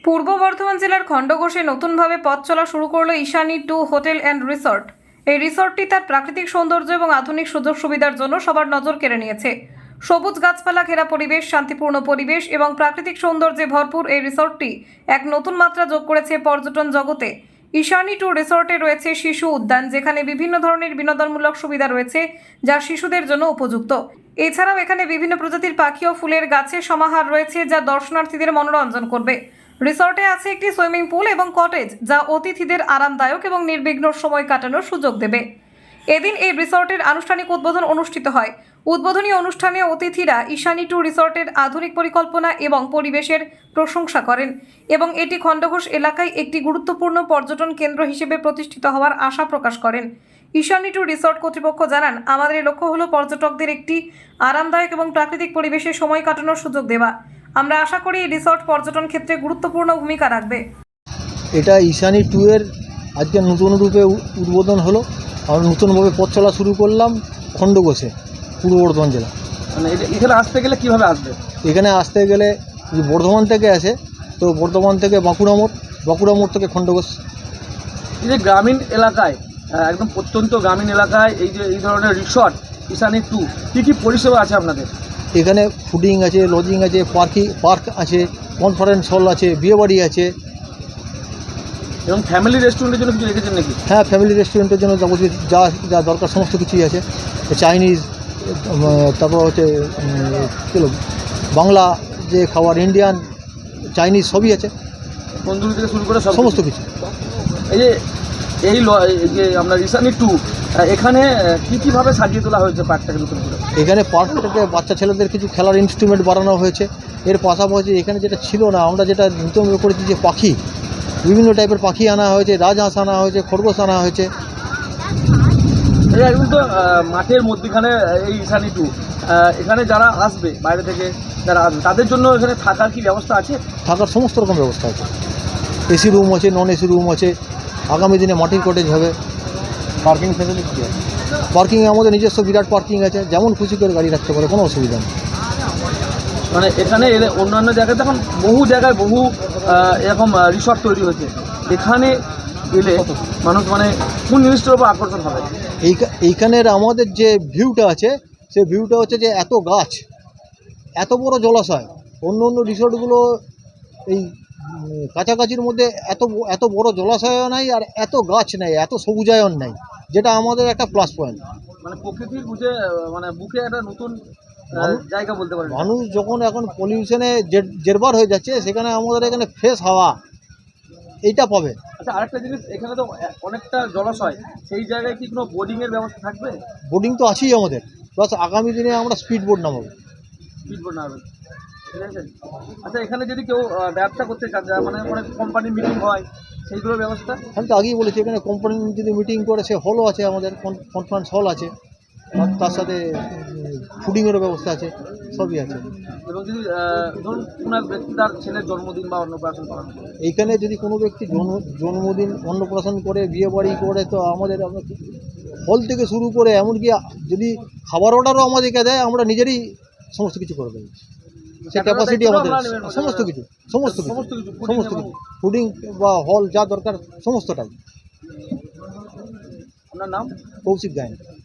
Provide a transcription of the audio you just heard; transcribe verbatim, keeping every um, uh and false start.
পূর্ব বর্ধমান জেলার খণ্ডঘোষে নতুনভাবে পথ চলা শুরু করলো Ishani to hotel and resort. এই রিসর্টটি তার প্রাকৃতিক সৌন্দর্য এবং আধুনিক সুযোগ সুবিধার জন্য সবার নজর কেড়ে নিয়েছে। সবুজ গাছপালা ঘেরা পরিবেশ, শান্তিপূর্ণ পরিবেশ এবং প্রাকৃতিক সৌন্দর্যে ভরপুর এই রিসর্টটি এক নতুন মাত্রা যোগ করেছে পর্যটন জগতে। ঈশানী টু রিসর্টে রয়েছে শিশু উদ্যান, যেখানে বিভিন্ন ধরনের বিনোদনমূলক সুবিধা রয়েছে যা শিশুদের জন্য উপযুক্ত। এছাড়াও এখানে বিভিন্ন প্রজাতির পাখি ও ফুলের গাছের সমাহার রয়েছে যা দর্শনার্থীদের মনোরঞ্জন করবে। রিসর্টে আছে একটি সুইমিং পুল এবং কটেজ, যা অতিথিদের আরামদায়ক এবং নির্বিঘ্ন সময় কাটানোর সুযোগ দেবে। এদিন এই রিসর্টের আনুষ্ঠানিক উদ্বোধন অনুষ্ঠিত হয়। উদ্বোধনী অনুষ্ঠানে অতিথিরা ঈশানী টু রিসর্টের আধুনিক পরিকল্পনা এবং পরিবেশের প্রশংসা করেন এবং এটি খণ্ডঘোষ এলাকায় একটি গুরুত্বপূর্ণ পর্যটন কেন্দ্র হিসেবে প্রতিষ্ঠিত হওয়ার আশা প্রকাশ করেন। ঈশানী টু রিসর্ট কর্তৃপক্ষ জানান, আমাদের লক্ষ্য হলো পর্যটকদের একটি আরামদায়ক এবং প্রাকৃতিক পরিবেশে সময় কাটানোর সুযোগ দেওয়া। আমরা আশা করি এই রিসর্ট পর্যটন ক্ষেত্রে গুরুত্বপূর্ণ ভূমিকা রাখবে। এটা ঈশানী টু এর আজকে নতুন রূপে উদ্বোধন হলো। আমরা নতুনভাবে পথ চলা শুরু করলাম খণ্ডঘোষে, পূর্ব বর্ধমান জেলা। মানে এখানে আসতে গেলে কিভাবে আসবে? এখানে আসতে গেলে বর্ধমান থেকে আসে তো বর্ধমান থেকে বাঁকুড়া মোড়, বাঁকুড়া মোড় থেকে খণ্ডঘোষ। এই যে গ্রামীণ এলাকায়, একদম প্রত্যন্ত গ্রামীণ এলাকায় এই যে এই ধরনের রিসর্ট ঈশানী টু, কী কী পরিষেবা আছে আপনাদের? এখানে ফুডিং আছে, লজিং আছে, পার্কিং পার্ক আছে, কনফারেন্স হল আছে, বিয়েবাড়ি আছে এবং ফ্যামিলি রেস্টুরেন্টের জন্য কিছু রেখেছেন নাকি? হ্যাঁ, ফ্যামিলি রেস্টুরেন্টের জন্য যাবতীয় যা যা দরকার সমস্ত কিছুই আছে। চাইনিজ, তারপর হচ্ছে কী বাংলা যে খাবার, ইন্ডিয়ান, চাইনিজ সবই আছে, তন্দুরি থেকে শুরু করে সব সমস্ত কিছু। এই যে এই যে আমরা ঈশানী টু, এখানে কী কীভাবে সাজিয়ে তোলা হয়েছে পার্কটাকে নতুন করে? এখানে পার্কটাকে বাচ্চা ছেলেদের কিছু খেলার ইনস্ট্রুমেন্ট বানানো হয়েছে। এর পাশাপাশি এখানে যেটা ছিল না, আমরা যেটা নতুন করেছি যে পাখি, বিভিন্ন টাইপের পাখি আনা হয়েছে, রাজহাঁস আনা হয়েছে, খরগোশ আনা হয়েছে। একদম তো মাঠের মধ্যখানে এই ঈশানী টু, এখানে যারা আসবে বাইরে থেকে যারা আসবে তাদের জন্য এখানে থাকার কি ব্যবস্থা আছে? থাকার সমস্ত রকম ব্যবস্থা আছে। এসি রুম আছে, নন এসি রুম আছে। আগামী দিনে মাটির কটেজ হবে। পার্কিং ফ্যাসিলিটি কি আছে? পার্কিংয়ে আমাদের নিজস্ব বিরাট পার্কিং আছে, যেমন খুশি করে গাড়ি রাখতে পারে, কোনো অসুবিধা নেই। মানে এখানে অন্যান্য জায়গায় এখন বহু জায়গায় বহু এরকম রিসর্ট তৈরি হয়েছে, এখানে এলে মানুষ মানে কোন জিনিসটার উপর আকর্ষণ হবে? এই এইখানের আমাদের যে ভিউটা আছে, সেই ভিউটা হচ্ছে যে এত গাছ, এত বড় জলাশয়। অন্য অন্য রিসর্টগুলো এই কাছাকাছির মধ্যে এত এত বড় জলাশয়ও নাই, আর এত গাছ নেই, এত সবুজায়ন নেই, যেটা আমাদের একটা প্লাস পয়েন্ট। মানে প্রকৃতির বুঝে মানে বুকে একটা নতুন জায়গা বলতে পারেন। মানুষ যখন এখন পলিউশনে জেরবার হয়ে যাচ্ছে, সেখানে আমাদের এখানে ফ্রেশ হাওয়া এইটা পাবে। আচ্ছা, আরেকটা জিনিস, এখানে তো অনেকটা জলাশয়, সেই জায়গায় কি কোনো বোর্ডিংয়ের ব্যবস্থা থাকবে? বোটিং তো আছেই আমাদের, প্লাস আগামী দিনে আমরা স্পিড বোট নামাবো। স্পিড বোট নামাবেন, ঠিক আছে। আচ্ছা, এখানে যদি কেউ ব্যবসা করতে চান, মানে অনেক কোম্পানির মিটিং হয়, সেইগুলোর ব্যবস্থা? আমি তো আগেই বলেছি, এখানে কোম্পানি যদি মিটিং করে, সে হলও আছে, আমাদের কনফারেন্স হল আছে, তার সাথে ফুডিংয়েরও ব্যবস্থা আছে, সবই আছে। এবং যদি ধরুন কোনো এক ব্যক্তি তার ছেলের জন্মদিন বা অন্নপ্রাশন করান, এইখানে যদি কোনো ব্যক্তি জন্ম জন্মদিন অন্নপ্রাশন করে, বিয়ে বাড়ি করে, তো আমাদের হল থেকে শুরু করে এমনকি যদি খাবার অর্ডারও আমাদেরকে দেয়, আমরা নিজেরই সমস্ত কিছু করে দেবো। সে ক্যাপাসিটি আমাদের, সমস্ত কিছু সমস্ত কিছু সমস্ত কিছু ফুডিং বা হল যা দরকার সমস্তটাই। আপনার নাম? কৌশিক গায়েন।